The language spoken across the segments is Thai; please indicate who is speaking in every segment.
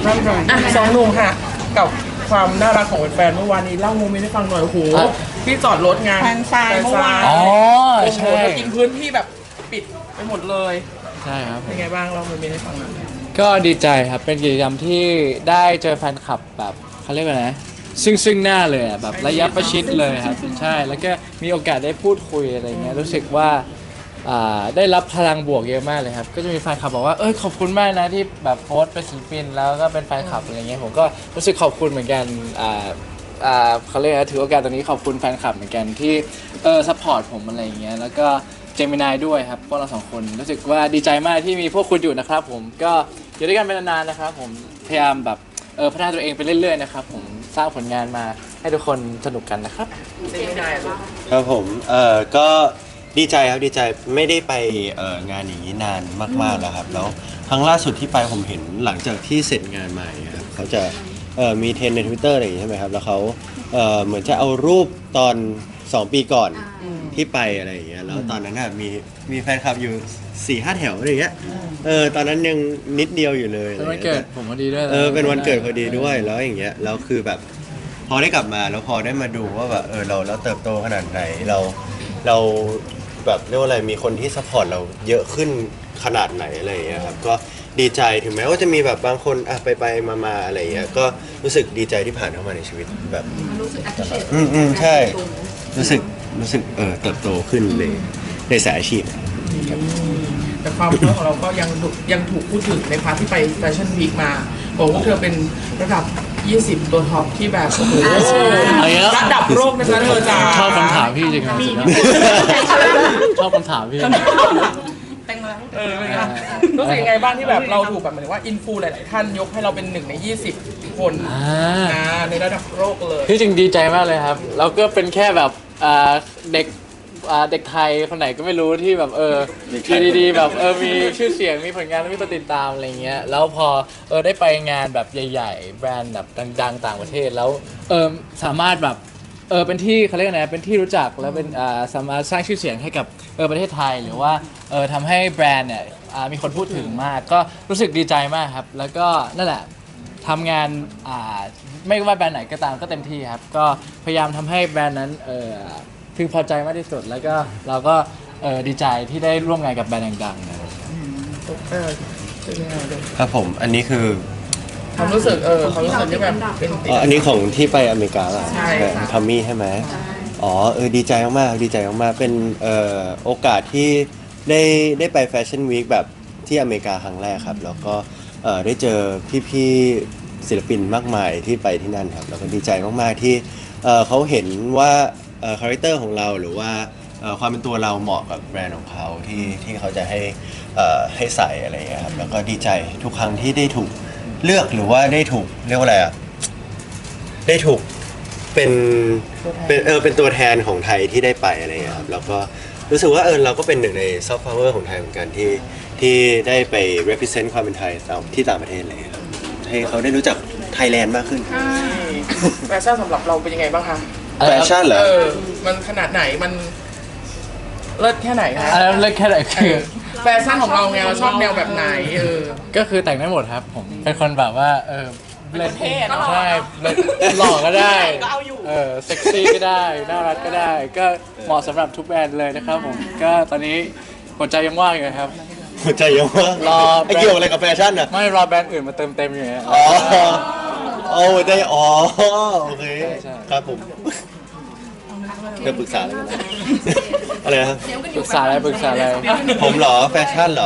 Speaker 1: ร่ำรวยสองหนุ่มค่ะกับความน่ารักของแฟนเมื่อวานนี้เล่าโมเมนต์ให้ฟังหน่อยโอ้โหที่จอดรถงาน
Speaker 2: แฟนซายเมื่อวาน
Speaker 3: อ๋อ
Speaker 1: โอ้โห
Speaker 3: ใช่
Speaker 1: จะกินพื้นที่แบบปิดไปหมดเลย
Speaker 3: ใช่ครับ
Speaker 1: เป็นไงบ้างเล่าโมเมนต์ให้ฟังหน่อย
Speaker 3: ก็ดีใจครับเป็นกิจกรรมที่ได้เจอแฟนคลับแบบเขาเรียกว่าไงซึ่งหน้าเลยอะแบบระยะประชิดเลยครับใช่แล้วก็มีโอกาสได้พูดคุยอะไรเงี้ยรู้สึกว่าได้รับพลังบวกเยอะมากเลยครับก็จะมีแฟนคลับบอกว่าขอบคุณมากนะที่แบบโพสต์เป็นศิลปินแล้วก็เป็นแฟนคลับอะไรเงี้ยผมก็รู้สึกขอบคุณเหมือนกันเขาเรียกว่าถือโอกาสตรงนี้ขอบคุณแฟนคลับเหมือนกันที่ซัพพอร์ตผมอะไรเงี้ยแล้วก็เจมินายด้วยครับพวกเราสองคนรู้สึกว่าดีใจมากที่มีพวกคุณอยู่นะครับผมก็อยู่ด้วยกันเป็นนานๆนะครับผมพยายามแบบพัฒนาตัวเองไปเรื่อยๆนะครับผมสร้างผลงานมาให้ทุกคนสนุกกันนะครับ
Speaker 1: เจมินายเหรอ
Speaker 4: ครับผมก็ดีใจครับดีใจไม่ได้ไปงานอย่างนี้นานมากๆแล้วครับแล้วครั้งล่าสุดที่ไปผมเห็นหลังจากที่เสร็จงานมาอย่างเงี้ยครับเขาจะมีเทรนด์ใน Twitter อะไรอย่างงี้ใช่ไหมครับแล้วเขาเหมือนจะเอารูปตอน 2 ปีก่อนที่ไปอะไรอย่างเงี้ยแล้วตอนนั้นน่ะมีแฟนคลับอยู่ 4-5 แถวอะไรอย่างเงี้ยตอนนั้นยังนิดเดียวอยู่เลย
Speaker 3: เป็นวันเกิดผมพอดีด้วย
Speaker 4: เป็นวันเกิดพอดีด้วยแล้วอย่างเงี้ยแล้วคือแบบพอได้กลับมาแล้วพอได้มาดูว่าแบบเราเติบโตขนาดไหนเราแบบเรียกว่าอะไรมีคนที่ซัพพอร์ตเราเยอะขึ้นขนาดไหนอะไรอย่างเงี้ยครับก็ดีใจถึงแม้ว่าจะมีแบบบางคนไปมาอะไรอย่างเงี้ยก็รู้สึกดีใจที่ผ่านเข้ามาในชีวิตแบบรู้สึกใช่รู้สึกเติบโตขึ้นในสายอาชีพ
Speaker 1: แต่ความเพื่อของเราก็ยังถูกพูดถึงในพาร์ทที่ไปแฟชั่นวีคมาบอกว่าเธอเป็นระดับ 20 ตัวท็อปที่แบบโอ้โหระดับโลกนะคะเธอจ๋า
Speaker 3: ชอบคำถามพี่จริงๆชอบคำถามพี่
Speaker 1: เป็นไงรู้สึกยังไงบ้างที่แบบเราถูกแบบเหมือนว่าอินฟูหลาย ๆ ท่านยกให้เราเป็น1 ใน 20 คนในระดับโลกเลย
Speaker 3: ที่จริงดีใจมากเลยครับแล้วก็เป็นแค่แบบเด็กเด็กไทยคนไหนก็ไม่รู้ที่แบบอยู่ดีๆแบบมีชื่อเสียงมีผลงานแล้วมีคนติดตามอะไรเงี้ยแล้วพอได้ไปงานแบบใหญ่ๆแบรนด์แบบดังๆต่างประเทศแล้วสามารถแบบเป็นที่เขาเรียกอะไรเป็นที่รู้จักแล้วเป็นสามารถสร้างชื่อเสียงให้กับประเทศไทยหรือว่าทำให้แบรนด์เนี่ยมีคนพูดถึงมากก็รู้สึกดีใจมากครับแล้วก็นั่นแหละทำงานไม่ว่าแบรนด์ไหนก็ตามก็เต็มที่ครับก็พยายามทำให้แบรนด์นั้นพึงพอใจมากที่สุดแล้วก็เราก็ดีใจที่ได้ร่วมงานกับแบรนด์ดังๆนะครับ
Speaker 1: เป็นยังไงเลย
Speaker 4: ครับผมอันนี้คือ
Speaker 1: ความรู้สึกความรู้สึกที่แบบเป็นติด
Speaker 4: อันนี้ของที่ไปอเมริกาอ่ะ
Speaker 1: ใช่ค่ะ
Speaker 4: ทอมมี่ใช่ไหมดีใจมากๆดีใจมากๆเป็นโอกาสที่ได้ไปแฟชั่นวีคแบบที่อเมริกาครั้งแรกครับแล้วก็ได้เจอพี่ๆศิลปินมากมายที่ไปที่นั่นครับแล้วก็ดีใจมากๆที่เขาเห็นว่าคาแรคเตอร์ของเราหรือว่าความเป็นตัวเราเหมาะกับแบรนด์ของเขาที่เขาจะให้ใส่อะไรอย่างเงี้ยครับแล้วก็ดีใจทุกครั้งที่ได้ถูกเลือกหรือว่าได้ถูกเรียกว่าอะไรได้ถูกเป็นตัวแทนของไทยที่ได้ไปอะไรอย่างเงี้ยครับแล้วก็รู้สึกว่าเราก็เป็นหนึ่งในซอฟต์พาวเวอร์ของไทยเหมือนกันที่ได้ไป represent ความเป็นไทยที่ต่างประเทศอะไรอย่างเลยครับให้เขาได้รู้จักไทยแลนด์มากขึ้น
Speaker 1: แฟชั่นสำหรับเราเป็นยังไงบ้างคะ
Speaker 4: แฟชั่นเหรอ
Speaker 1: มันขนาดไหนมันเลิศแค่ไหนคะ
Speaker 3: อันนั้นเล็กแค่ไหนคือ
Speaker 1: แฟชั่นของเราไงเราชอบแนวแบบไหน
Speaker 3: ก็คือแต่งได้หมดครับผมเป็นคนแบบว่าเล่น
Speaker 1: เท่เนอะ
Speaker 3: ใช่หล่อก็ได้
Speaker 1: ก็เอาอยู่
Speaker 3: เซ็กซี่ก็ได้น่ารักก็ได้ ก็เหมาะสำหรับทุกแบรนด์เลยนะครับผมก็ตอนนี้หัวใจยังว่างอยู่นะครับ
Speaker 4: หัวใจเยอะมาก
Speaker 3: รอ
Speaker 4: ไอ้เกี่ยวอะไรกับแฟชั่นอ่ะ
Speaker 3: ไม่รอแบรนด์อื่นมาเติมเต็มอยู่เนี่ย
Speaker 4: หัวใจโอเค
Speaker 3: ใช่
Speaker 4: ครับผมเดี๋ยวปรึกษาอะไรกันนะอะไรนะครับ
Speaker 3: ปรึกษาอะไร
Speaker 4: ผมเหรอแฟชั่นเหรอ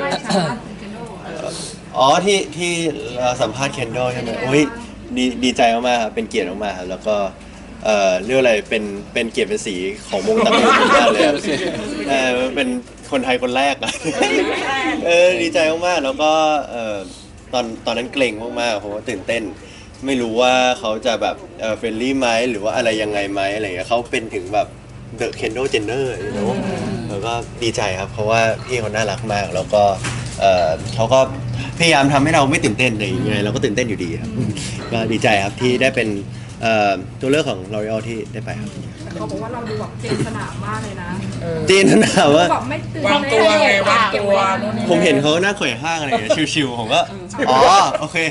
Speaker 4: ที่สัมภาษณ์เคนโดใช่ไหมอุ้ยดีใจมากๆครับเป็นเกียรติมากๆครับแล้วก็เรียกอะไรเป็นเกียรติเป็นสีของวงตระกูลมากเลยครับเป็นคนไทยคนแรกอะดีใจมากๆแล้วก็ตอนนั้นเกรงมากๆเพราะว่าตื่นเต้นไม่รู้ว่าเขาจะแบบเฟรนลี่ไหมหรือว่าอะไรยังไงไหมอะไรเงี้ยเขาเป็นถึงแบบเดอะเคนโดเจนเนอร์แล้วก็ดีใจครับเพราะว่าพี่เขาน่ารักมากแล้วก็เขาก็พยายามทำให้เราไม่ตื่นเต้นอะไรอย่างเงี้ยเราก็ตื่นเต้นอยู่ดีครับก็ดีใจครับที่ได้เป็นตัวเลือกของ L'Oreal ที่ได้ไปครับ
Speaker 2: เขาบอกว่าเราดูแบบเจนสนามมากเลยนะ
Speaker 4: จีนถามว่า
Speaker 2: แบบไม่ตื่น
Speaker 1: วางตัวไงวางตัวนู่นนี่
Speaker 4: ผมเห็นเขาหน้าข่อยห้างอะไรอย่างเงี้ยชิวๆผมก็โอเค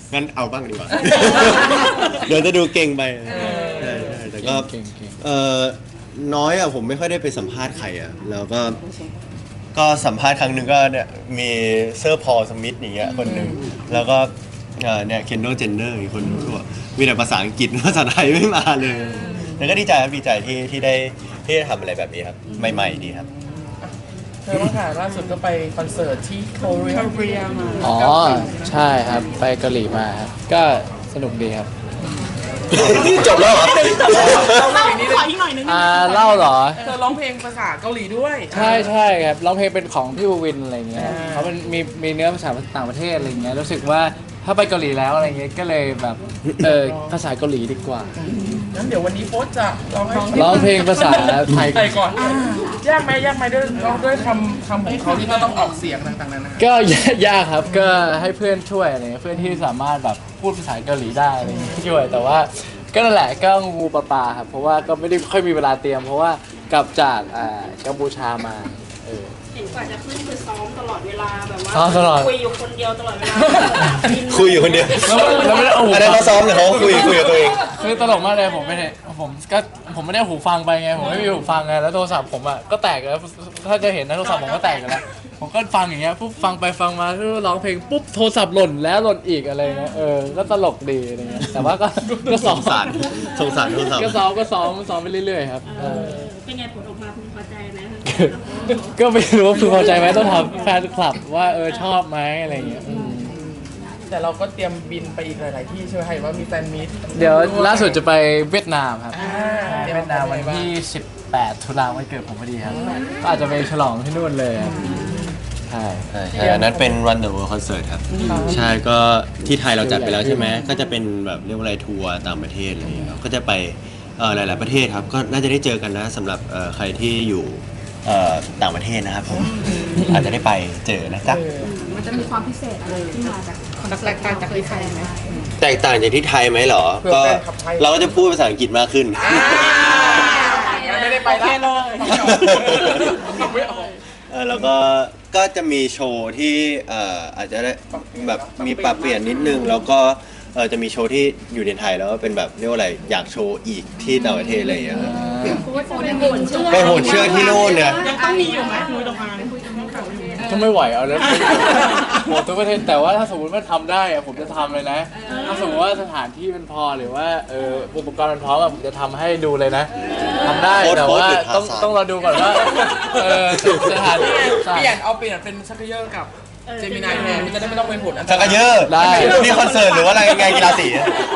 Speaker 4: งั้นเอาบ้างดีกว่า เดี๋ยวจะดูเก่งไปใช่แต่ก็
Speaker 3: เก่ง
Speaker 4: เออน้อยอ่ะผมไม่ค่อยได้ไปสัมภาษณ์ใครอ่ะแล้วก็สัมภาษณ์ครั้งหนึ่งก็เนี่ยมีเซอร์พอลสมิธอย่างเงี้ยคนหนึ่งแล้วก็เนี่ยเคนโดเจนเนอร์อีกคนนึงก็บอกมีแต่ภาษาอังกฤษภาษาไทยไม่มาเลยแล้วก็ดีใจครับดีใจที่ได้ทำอะไรแบบนี้ครับใหม่ๆดีครับ
Speaker 1: เธอว่าค่ะล่าสุดก็ไปคอนเสิร์ตที่เกาหลีมา
Speaker 3: อ๋อใช่ครับไปเกาหลีมาครับก็สนุกดีครับ
Speaker 4: จบแล้วเหรอ
Speaker 1: เราเล่าอีกนิดนึง
Speaker 2: ขออีกหน่อยนึง
Speaker 3: เล่าเหรอ
Speaker 1: เธอร้องเพลงภาษาเกาหลีด้วย
Speaker 3: ใช่ครับร้องเพลงเป็นของพี่บูวินอะไรเงี้ยเขาเป็นมีเนื้อภาษาต่างประเทศอะไรเงี้ยรู้สึกว่าถ้าไปเกาหลีแล้วอะไรเงี้ยก็เลยแบบภาษาเกาหลีดีกว่า
Speaker 1: งั้นเดี๋ยววันนี้โฟสจะร้องให้
Speaker 3: ร้องเพลงภาษาไทย
Speaker 1: ไทยก่อนยากไหมด้วยร้องด้วยคำของเขาที่ก็ต้องออกเสียงต่างๆนานา
Speaker 3: ก็ยากครับก็ให้เพื่อนช่วยอะไรเงี้ยเพื่อนที่สามารถแบบพูดภาษาเกาหลีได้อะไรเงี้ยช่วยแต่ว่าก็นั่นแหละก็งูปลาครับเพราะว่าก็ไม่ได้ค่อยมีเวลาเตรียม เพราะว่ากลับจากกัมพูชามา
Speaker 2: เห็นกว่าจะขึ้นคือซ้อมตลอดเวลาแบบว่า
Speaker 3: ซ้อมตลอด
Speaker 2: คุยอยู่คนเดียวตลอดเวลา
Speaker 4: คุยอยู่คนเดียว
Speaker 3: แล้วไม่ได้เอาหู
Speaker 4: อันนั้นเขาซ้อมหรือเขาคุยกับตัวเอง
Speaker 3: คือตลกมากเลยผมไม่ได้ผมไม่ได้เอาหูฟังไปไงผมไม่มีหูฟังไงแล้วโทรศัพท์ผมอ่ะก็แตกแล้วถ้าจะเห็นนะโทรศัพท์ผมก็แตกแล้วผมก็ฟังอย่างเงี้ยปุ๊บฟังไปฟังมาร้องเพลงปุ๊บโทรศัพท์หล่นแล้วหล่นอีกอะไรเงี้ยก็ตลกดีอะไรเงี้ยแต่ว่าก็ซ้อม
Speaker 4: สงสารโทรศัพท์
Speaker 3: ก็ซ้อมไปเรื่อยๆครับ
Speaker 2: เป็นไงผลออกมาพึงพอใจไหม
Speaker 3: ก็ไม่รู้ว่าพึงพอใจไหมต้องถามแฟนคลับว่าชอบไหมอะไรเงี้ย
Speaker 1: แต่เราก็เตรียมบินไปอีกหลายๆที่ใช่ไหมเห็นว่ามีแฟนมีต
Speaker 3: เดี๋ยวล่าสุดจะไปเวียดนามครับ
Speaker 1: เตรียม
Speaker 3: เวียดนามวันที่ 18 ตุลาวันเกิดผมพอดีครับก็อาจจะไปฉลองที่นู่นเลยครับใช่
Speaker 4: ใช่อันนั้นเป็น Run the World Concert ครับ ใช่ก็ที่ไทยเราจัดไปแล้วใช่ไหมก็จะเป็นแบบเรียกว่าอะไรทัวร์ต่างประเทศอะไรอย่างเงี้ยครับก็จะไปหลาย ๆประเทศครับก็น่าจะได้เจอกันนะสำหรับใครที่อยู่ต่างประเทศนะครับผมอาจจะได้ไปเจอนะจ๊ะ
Speaker 2: มันจะมีความพิเศษอะไรที่มาจากคอนเสิร์ตต่างจากที่ไทยไหม
Speaker 4: แตกต่างจากที่ไทยไหมเหรอก็เราก็จะพูดภาษาอังกฤษมากขึ้น
Speaker 1: ไม่ได้ไปแล้วไม่ออก
Speaker 4: แล้วก็จะมีโชว์ที่อาจจะได้แบบมีปรับเปลี่ยนนิดนึงแล้วก็จะมีโชว์ที่อยู่ในไทยแล้วก็เป็นแบบเรียกว่าอะไรอยากโชว์อีกที่ต่างประเทศอะไรอย่างเงี้ยครับ ไปโหนเชือกที่โน่นเนี่ย
Speaker 2: ยังต้องมีอยู่ไหมคุยตรงมา
Speaker 3: ก็ไม่ไหวเอาแล้วโหทุกประเทศแต่ว่าถ้าสมมติว่าทำได้อะผมจะทำเลยนะถ้าสมมติว่าสถานที่มันพอหรือว่าอุปกรณ์มันพร้อมอะผมจะทำให้ดูเลยนะทำได้แต่ว่าต้องรอดูก่อนว่าสถานที่
Speaker 1: เปลี่ยนเป็นชักเยอร์กับเจมินายแทนมันจะได้ไม่ต้องเป็นผลอันต
Speaker 4: ชัก
Speaker 1: ราย
Speaker 4: กะเยอะนี่คอนเสิร์ตหรือว่าอะไรไงกีฬาสี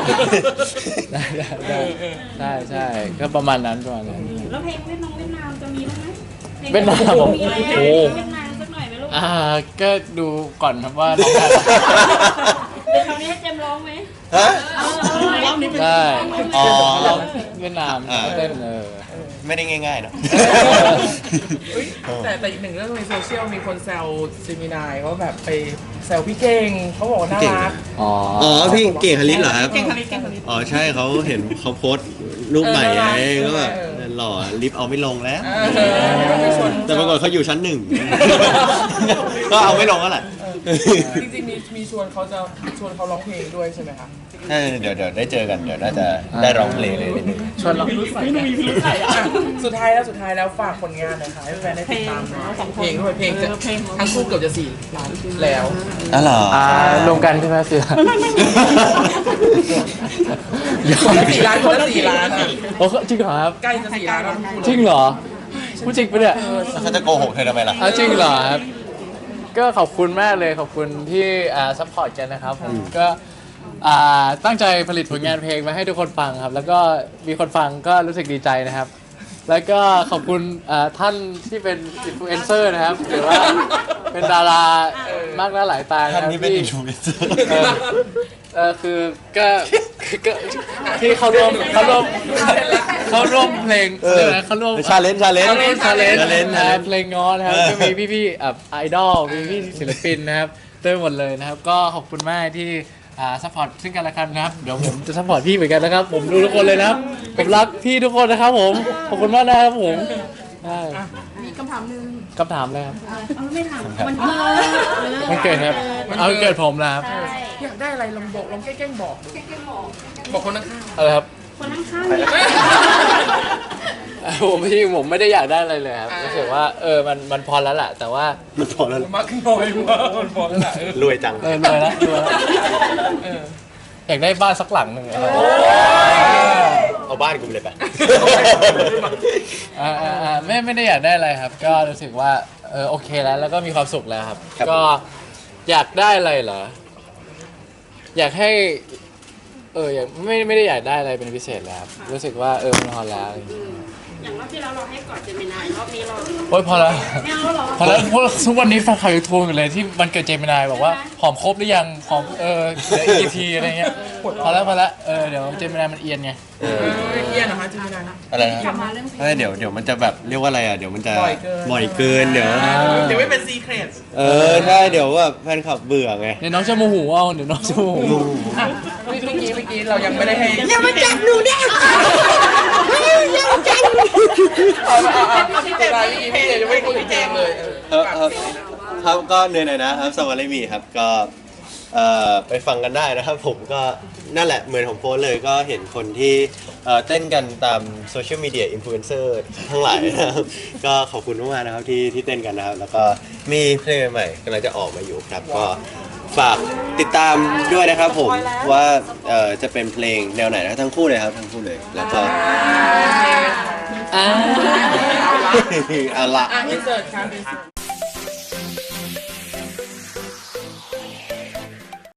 Speaker 3: ใช่ก็ประมาณนั้น
Speaker 2: แล้วเพลงเวียดนามจะมีบ้างไหม
Speaker 3: เวียดนามผม
Speaker 2: มีอะไร
Speaker 3: โอ้
Speaker 2: เวียดนามสักหน่อยไหมลูก
Speaker 3: ก็ดูก่อนครับว่าน้องได้
Speaker 2: เดี๋ยวคราวนี้ให้เจมร้องไหม
Speaker 4: ฮะ
Speaker 2: รอบนี้เป็น
Speaker 3: ได้
Speaker 4: อ๋อ
Speaker 3: เวียดนามเต้น
Speaker 4: ไม่ได้ง่ายๆเนาะ
Speaker 1: แต่อีกหนึ่งเรื่องในโซเชียลมีคนแซวเจมินายว่าแบบไปแซวพี่เก่งเขาบอกว่าน่ารัก
Speaker 3: อ๋อ
Speaker 4: อ๋อพี่เก่งคลิสเหรอครับ
Speaker 1: เก่งคณิตเก่งคณิต
Speaker 4: อ๋อใช่เขาเห็นเขาโพสต์รูปใหม่ไงก็แบบหล่อลิฟต์เอาไม่ลงแล้ว แต่ปรากฏเขาอยู่ชั้นหนึ่ง ก็เอาไม่ลงแล้วแหละ
Speaker 1: จริงๆมีชวนเขาร้องเพลงด้วยใช่ไหมคะ
Speaker 4: ใช่เดี๋ยวได้เจอกันเดี๋ยวน่าจะได้ร้องเพลงเลยนิดนึง
Speaker 3: ชวนเรา
Speaker 1: สุดท้ายแล้วฝากผลงานหน่อยค่ะให้แฟนได้ติดตามหน่อยเพลงด้วยเพลงจะทั้งคู่เกือบจะ4 ล้านแล้ว
Speaker 4: อ๋อเหรอ
Speaker 3: รวมกันใช่ไหมเสือ
Speaker 1: 4 ล้านคนละ4 ล้านอ่ะ
Speaker 3: โอ้จริงเหรอครับ
Speaker 1: ใกล้จะ4 ล้านแล้วทั้งคู่
Speaker 3: จริงเหรอพูดจริงปะเนี่ย
Speaker 4: เขาจะโกหกเธอทำไมล่ะ
Speaker 3: จริงเหรอครับก็ขอบคุณมากเลยขอบคุณที่ซัพพอร์ตกันนะครับผมก็ตั้งใจผลิตผลงานเพลงมาให้ทุกคนฟังครับ แล้วก็มีคนฟังก็รู้สึกดีใจนะครับ แล้วก็ขอบคุณท่านที่เป็นอินฟลูเอนเซอร์นะครับหรือว่าเป็นดารามากหน้าหลายตา
Speaker 4: ท่าน
Speaker 3: นะครับ
Speaker 4: นี้เป็น
Speaker 3: ที่
Speaker 4: อินฟลูเอนเซอร์
Speaker 3: คือก็ที่เขาร่วมเพลงเรียกอะไรเขาร่วม
Speaker 4: ชาเลนจ์
Speaker 3: ชาเลน
Speaker 4: challenge
Speaker 3: นะครับเพลงง้อนะครับก็มีพี่ๆไอดอลมีพี่ศิลปินนะครับเต็มหมดเลยนะครับก็ขอบคุณมากที่ซัพพอร์ตซึ่งกันและกันนะครับเดี๋ยวผมจะซัพพอร์ตพี่เหมือนกันนะครับผมดูทุกคนเลยนะครับผมรักพี่ทุกคนนะครับผมขอบคุณมากนะครับผมได้
Speaker 2: มีคำถามหนึ่ง
Speaker 3: คำถามเลยครับ
Speaker 2: เอาไม่ถามวันเกิด
Speaker 3: มันเกิดครับเอาวันเกิดผมนะครับ
Speaker 2: ใช่
Speaker 1: อยากได้อะไรลองบอกลองแกล้งบอกดูบอกคนข้าง
Speaker 3: อะไรครับ
Speaker 2: คนข้างๆเนี่ย
Speaker 3: ผมไม่ได้อยากได้อะไรเลยครับรู้สึกว่ามันพอแล้วแหละแต่ว่า
Speaker 4: มันพอแล้ว
Speaker 1: ๆมากขึ้นน้อยมากคนบอกแล้วแหละ
Speaker 4: รวยจัง
Speaker 3: รวยแล้วอยากได้บ้านสักหลังหนึ่งอะไร
Speaker 4: เอาบ้านกูไปเลยไป
Speaker 3: ไม่ได้อยากได้อะไรครับ ก็รู้สึกว่าโอเคแล้วก็มีความสุขแล้วครับ
Speaker 4: ครับ
Speaker 3: ก็อยากได้อะไรเหรออยากให้อยากไม่ได้อยากได้อะไรเป็นพิเศษแล้วครับรู้สึกว่ามันพอแล้วอะไรอย่างเงี้ย
Speaker 2: อย่างรอบที่แล้วเราให้กอดเจมินายรอบนี้เรา
Speaker 3: โอ๊ยพอแล้ว
Speaker 2: ไม่เอาหรอ
Speaker 3: พอแล้วเพราะทุกวันนี้แฟนคลับยูทูบอยู่เลยที่มันเกิดเจมินายบอกว่าหอมครบหรือยังหอมเหลืออีกกี่ทีอะไรเงี้ยพอแล้วเดี๋ยวเจมินายมันเอียนไง
Speaker 1: เยี่ยนนะคะจิมินายนะ
Speaker 4: อะไรนะ
Speaker 2: กลับมาเรื่องเพลง
Speaker 4: เดี๋ยวมันจะแบบเรียกว่าอะไรอ่ะเดี๋ยวมันจะ
Speaker 1: บ่อยเกิน
Speaker 4: เดี๋ยว
Speaker 1: เดี๋ยวไม่เป็นซีเครต
Speaker 4: ใช่เดี๋ยวว่าแฟนคลับเบื่อไง
Speaker 3: เดี๋ยวน้องจะโมโหเอาเดี๋ยวน้องจะโมโห
Speaker 1: อ่ะเมื่อกี้เรายังไม่ได้ให้อย่ามาจับหนูได้เอาพี่เจมส์พี่เจมส์ยังไม่ได้คุยกับพี่เจมส์เลย
Speaker 4: ครับก็เหนื่อยๆนะครับสวัสดีมีครับก็ไปฟังกันได้นะครับผมก็นั่นแหละเหมือนของโพสเลยก็เห็นคนที่เต้นกันตามโซเชียลมีเดียอินฟลูเอนเซอร์ทั้งหลายนะครับก็ขอบคุณมากๆนะครับที่เต้นกันนะครับแล้วก็มีเพลงใหม่กำลังจะออกมาอยู่ครับก็ฝากติดตามด้วยนะครับผมว่าจะเป็นเพลงแนวไหนนะทั้งคู่เลยครับทั้งคู่เลยแล้วก็เอาละ
Speaker 1: อินเสิร์ตครับ